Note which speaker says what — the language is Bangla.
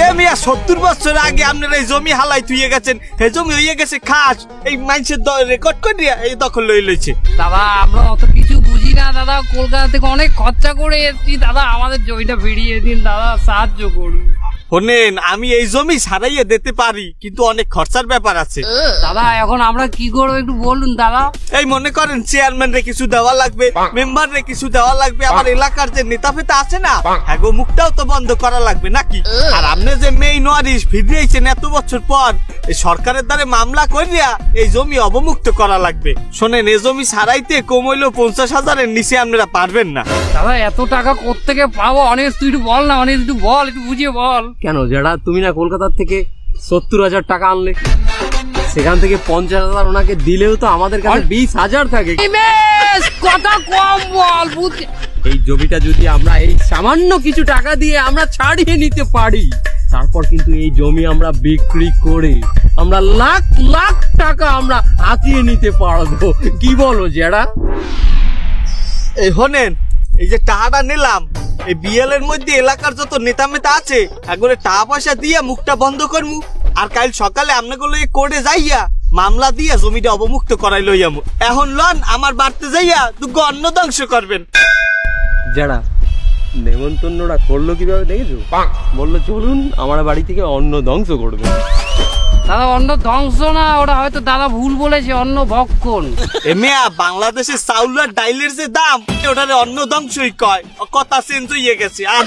Speaker 1: মিয়া 70 বছর আগে আপনারা এই জমি হালাই থুয়ে গেছেন, এই জমি হয়ে গেছে খাস, এই মানুষের রেকর্ড করে এই দখল লইছে।
Speaker 2: দাদা আমরা অত কিছু বুঝি না দাদা, কলকাতা থেকে অনেক খরচা করে এসেছি দাদা, আমাদের জমিটা ফিরিয়ে দিন দাদা, সাহায্য করুন।
Speaker 1: শোনেন, আমি এই জমি সারাইয়ে দিতে পারি, কিন্তু অনেক খরচার ব্যাপার আছে।
Speaker 2: দাদা এখন আমরা কি করবো একটু বলুন দাদা।
Speaker 1: এই মনে করেন চেয়ারম্যান রে কিছু দেওয়া লাগবে, মেম্বার রে কিছু দেওয়া লাগবে, আমার এলাকার যে নেতা ফেতা আছে না, হ্যাঁ মুখটাও তো বন্ধ করা লাগবে নাকি? আর আপনি যে মেইন ওয়ারিশ ফিরিয়েছেন এত বছর পর, এই সরকারের দ্বারে মামলা করিয়া এই জমি অবমুক্ত করা লাগবে। শোনেন, এই জমি সারাইতে কম হইলেও 50,000-এর নিচে আপনারা পারবেন না।
Speaker 2: দাদা এত টাকা কোত্থেকে পাবো? অনেক তুই একটু বল না, অনেক একটু বল, একটু বুঝিয়ে বল।
Speaker 3: কেন যেটা তুমি না কলকাতার থেকে 70,000 টাকা আনলে, সেখান থেকে 50,000 ওনাকে দিলেও তো আমাদের কাছে 20,000 থাকে।
Speaker 2: বেশ কথা কম বল, বুঝছি।
Speaker 3: এই জমিটা যদি আমরা এই সামান্য কিছু টাকা দিয়ে আমরা ছাড়িয়ে নিতে পারি, তারপর কিন্তু এই জমি আমরা বিক্রি করে আমরা লাখ লাখ টাকা আমরা হাতিয়ে নিতে পারবো। কি বলো যারা?
Speaker 1: এই শোনেন, এই যে টাকাটা নিলাম, এই বিএল এর মধ্যে এলাকার যত নেতা মেতা আছে একবারে টাকা পয়সা দিয়ে মুখটা বন্ধ করমু, আর কাল সকালে আপনাগুলো এই কোর্টে যাইয়া মামলা দিয়া জমিটা অবমুক্ত করাই লইয়ামু। এখন লন আমার বাড়তে যাইয়া দুগো অন্ন ধ্বংস করবেন।
Speaker 3: যারা নেমন্তন্নটা করলো কিভাবে দেখেছো? বললো চলুন আমার বাড়ি থেকে অন্ন ধ্বংস করবে।
Speaker 2: দাদা অন্ন ধ্বংস না, ওটা হয়তো দাদা ভুল বলেছে, অন্ন ভক্ষণ।
Speaker 1: এ মিয়া, বাংলাদেশের চাউল আর ডাইলের যে দাম, ওটারে অন্ন ধ্বংসই কয়, কথা চেঞ্জ হয়ে গেছে। আর